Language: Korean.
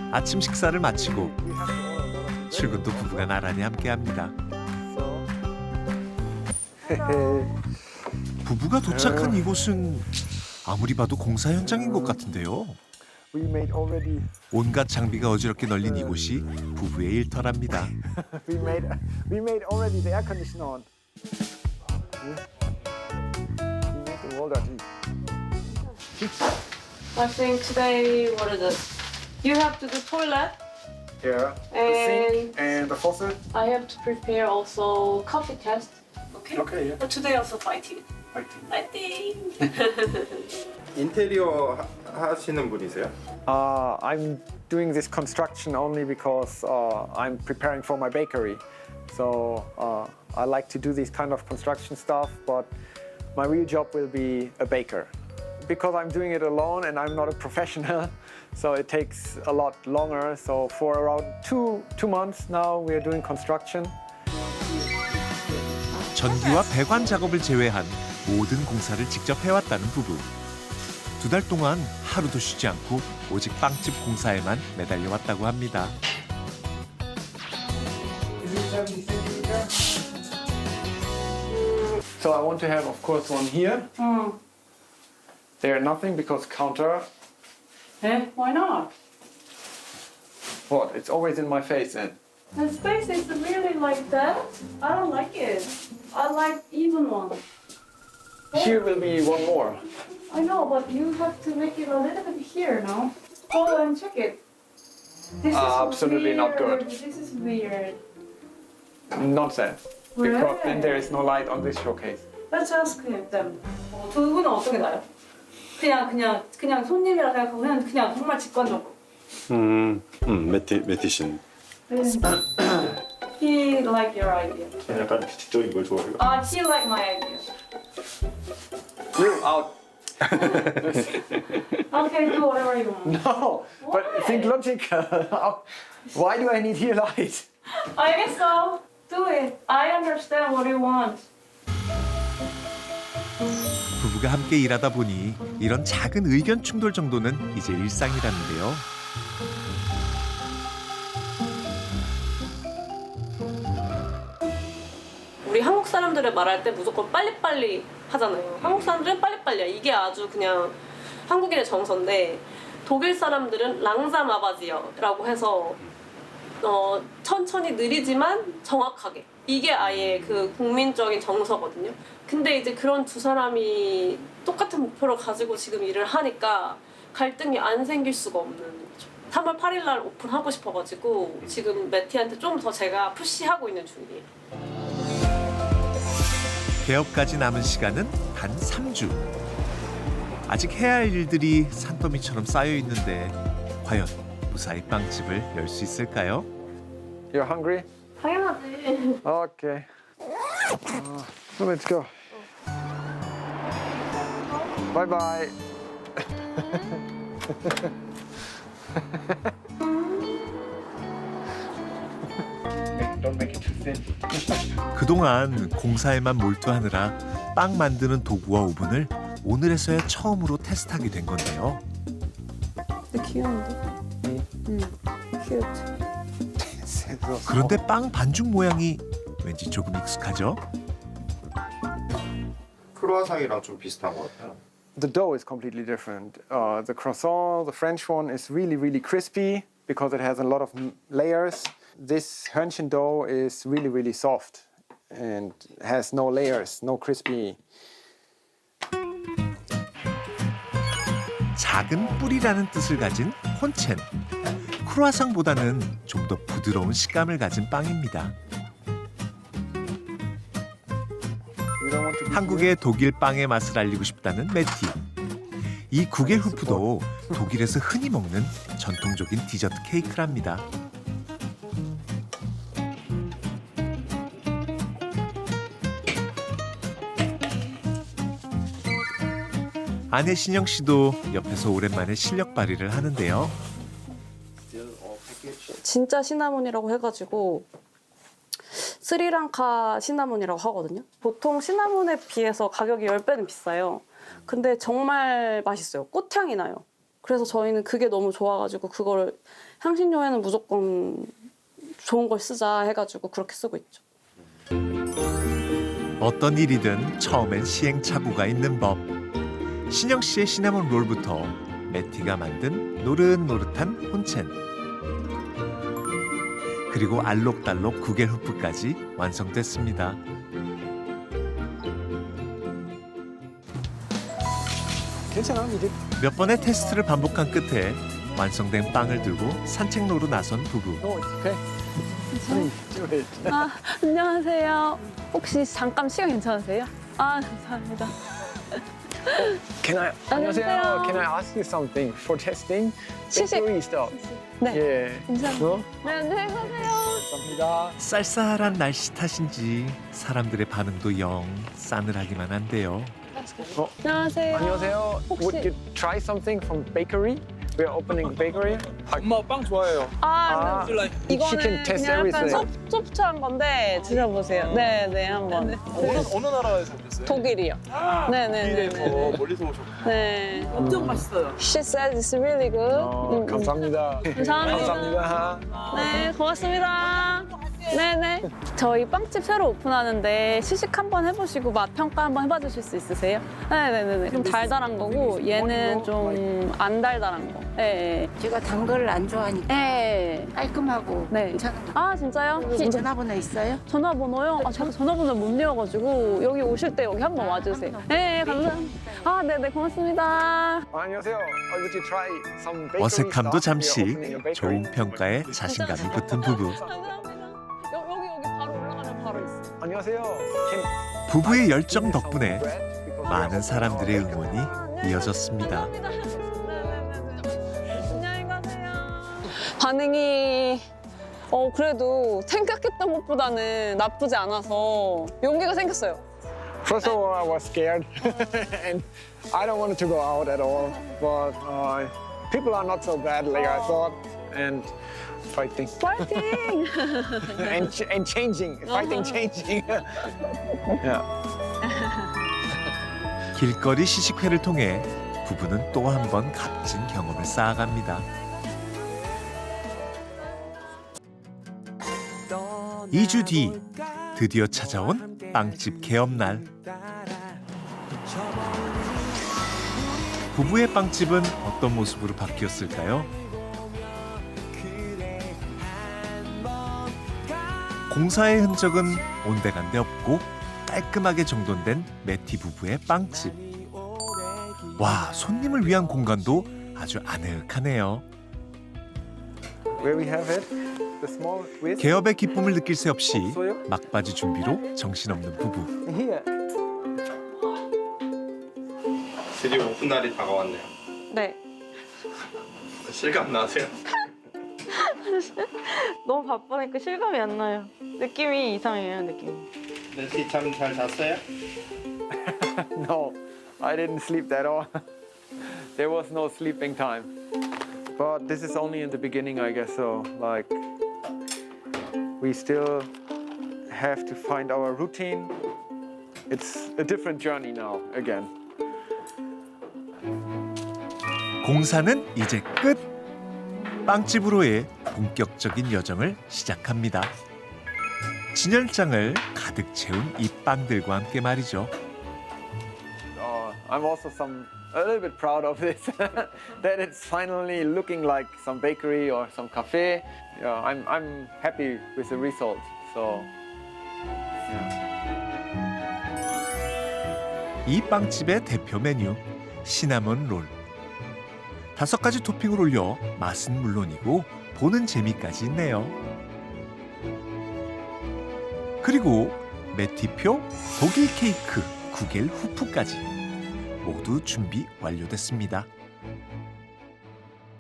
아침 식사를 마치고 출근도 부부가 나란히 함께합니다. 부부가 도착한 이곳은 아무리 봐도 공사 현장인 것 같은데요. We made already. 온갖 장비가 어지럽게 널린 이곳이 부부의 일터랍니다. We made already the air conditioner on. We made the wall dirty. I think today, what is it? You have to do toilet. Yeah. And- The sink and the faucet. I have to prepare also coffee test. Okay. Okay, yeah. But today also fighting. Fighting. Fighting. 인테리어 하시는 분이세요? I'm doing this construction only because I'm preparing for my bakery. So I like to do this kind of construction stuff, but my real job will be a baker. Because I'm doing it alone and I'm not a professional, so it takes a lot longer. So for around two months now, we are doing construction. 전기와 배관 작업을 제외한 모든 공사를 직접 해왔다는 부부. 2달 동안 하루도 쉬지 않고 오직 빵집 공사에만 매달려왔다고 합니다. So I want to have, of course, one here. There nothing because counter. Eh? Why not? What? It's always in my face then. The space is really like that. I don't like it. I like even one. Here will be one more. I know, but you have to make it a little bit here now. Go and check it. This is Absolutely not good. weird. This is weird. Nonsense. Because then Really? there is no light on this showcase. Let's ask them. 두 분은 어떻게 나요? 그냥 손님이라 생각하고 그냥 정말 직관적으로. 매티신. He like your idea. 약간 지적인 걸 좋아해요. He like my idea. You out. Okay, do whatever you want. No, but think logical. Why do I need here light? 알겠어. Do it. I understand what you want. 부부가 함께 일하다 보니 이런 작은 의견 충돌 정도는 이제 일상이라는데요. 우리 한국 사람들을 말할 때 무조건 빨리빨리 하잖아요. 한국 사람들은 빨리빨리야. 이게 아주 그냥 한국인의 정서인데 독일 사람들은 랑사마바지어라고 해서 천천히 느리지만 정확하게. 이게 아예 그 국민적인 정서거든요. 근데 이제 그런 두 사람이 똑같은 목표를 가지고 지금 일을 하니까 갈등이 안 생길 수가 없는 거죠. 3월 8일 날 오픈하고 싶어가지고 지금 매티한테 좀 더 제가 푸시하고 있는 중이에요. 개업까지 남은 시간은 단 3주. 아직 해야 할 일들이 산더미처럼 쌓여 있는데 과연 무사히 빵집을 열 수 있을까요? You're hungry? 당연하지. Okay. So let's go. Bye bye. Don't make it too thin. 그동안 공사에만 몰두하느라 빵 만드는 도구와 오븐을 오늘에서야 처음으로 테스트하게 된 건데요. 근데 귀여운데? 응. 귀엽지. 그런데 빵 반죽 모양이 왠지 조금 익숙하죠? 크루아상이랑 좀 비슷한 것 같아요. The dough is completely different. The croissant, the French one, is really, really crispy because it has a lot of layers. This Hörnchen dough is really, really soft and has no layers, no crispy. 작은 뿔이라는 뜻을 가진 혼첸. 크루아상보다는 좀 더 부드러운 식감을 가진 빵입니다. You don't want to be 한국의 독일 빵의 맛을 알리고 싶다는 매티. 이 구겔후프도 독일에서 흔히 먹는 전통적인 디저트 케이크랍니다. 아내 신영 씨도 옆에서 오랜만에 실력 발휘를 하는데요. 진짜 시나몬이라고 해가지고 스리랑카 시나몬이라고 하거든요. 보통 시나몬에 비해서 가격이 10배는 비싸요. 근데 정말 맛있어요. 꽃향이 나요. 그래서 저희는 그게 너무 좋아가지고 그거를 향신료에는 무조건 좋은 걸 쓰자 해가지고 그렇게 쓰고 있죠. 어떤 일이든 처음엔 시행착오가 있는 법. 신영 씨의 시나몬 롤부터 매티가 만든 노릇노릇한 혼첸, 그리고 알록달록 구겔 후프까지 완성됐습니다. 괜찮아, 이제. 몇 번의 테스트를 반복한 끝에 완성된 빵을 들고 산책로로 나선 부부. No, it's okay. Please do it. 아, 안녕하세요. 혹시 잠깐 시간 괜찮으세요? 아, 감사합니다. Can I? 안녕하세요. Can I ask you something for testing? 시식. Bakery stuff. 네. Yeah. 감사합니다. No? 네, 안녕히 가세요. 감사합니다. 쌀쌀한 날씨 탓인지 사람들의 반응도 영 싸늘하기만 한데요. 안녕하세요. 안녕하세요. 혹시- Would you try something from bakery? We're opening a bakery. 엄마 빵 좋아해요. 아, She can 이거는 test 그냥 약간 everything. 소프트한 건데 드셔보세요. 네, 네, 한번. 어느 나라에서 오셨어요? 독일이요. 네, 네, 네. 네. 멀리서 오셨고. 네. 엄청 맛있어요. She said it's really good. 감사합니다. 감사합니다. 네, 고맙습니다. 네네. 저희 빵집 새로 오픈하는데 시식 한번 해보시고 맛 평가 한번 해봐 주실 수 있으세요? 네네네. 좀 달달한 거고 얘는 좀 안 달달한 거. 네. 제가 단 거를 안 좋아하니까 네. 깔끔하고 네. 괜찮은 거. 아 진짜요? 전화번호 있어요? 전화번호요? 아 제가 전화번호 못 외워가지고 여기 오실 때 여기 한번 와주세요. 네, 감사합니다. 아 네네 고맙습니다. 안녕하세요. Would you try some bakery 어색함도 stuff? We're 잠시 opening a bakery. 좋은 평가에 자신감이 붙은 부부. 감사합니다. 여기 바로 올라가면 바로 있어. 안녕하세요. Can 부부의 열정 덕분에 bread? Because 많은 사람들의 응원이 이어졌습니다. 네네네. 안녕히 가세요. 반응이 그래도 생각했던 것보다는 나쁘지 않아서 용기가 생겼어요. First of all, I was scared, and I don't want to go out at all. But people are not so bad like I thought, and fighting 파이팅! and changing, fighting, changing. Yeah. 길거리 시식회를 통해 부부는 또 한 번 값진 경험을 쌓아갑니다. 2주 뒤 드디어 찾아온 빵집 개업날. 부부의 빵집은 어떤 모습으로 바뀌었을까요? 공사의 흔적은 온데간데 없고 깔끔하게 정돈된 매티 부부의 빵집. 와, 손님을 위한 공간도 아주 아늑하네요. Where we have it, the small whisk. 개업의 기쁨을 느낄 새 없이 막바지 준비로 정신없는 부부. Here. 드디어 오픈 날이 다가왔네요. 네. 실감 나세요? 너무 바쁘니까 실감이 안 나요. 느낌이 이상해요, 느낌이. 낸시 참 잘 잤어요? No, I didn't sleep at all. There was no sleeping time. But this is only in the beginning, I guess. So, like, we still have to find our routine. It's a different journey now again. 공사는 이제 끝. 빵집으로의 본격적인 여정을 시작합니다. 진열장을 가득 채운 이 빵들과 함께 말이죠. I'm also a little bit proud of this, that it's finally looking like some bakery or some cafe. Yeah, I'm happy with the result. So, yeah. 이 빵집의 대표 메뉴 시나몬 롤. 5가지 토핑을 올려 맛은 물론이고 보는 재미까지 있네요. 그리고 매티표, 독일 케이크, 구겔 후프까지 모두 준비 완료됐습니다.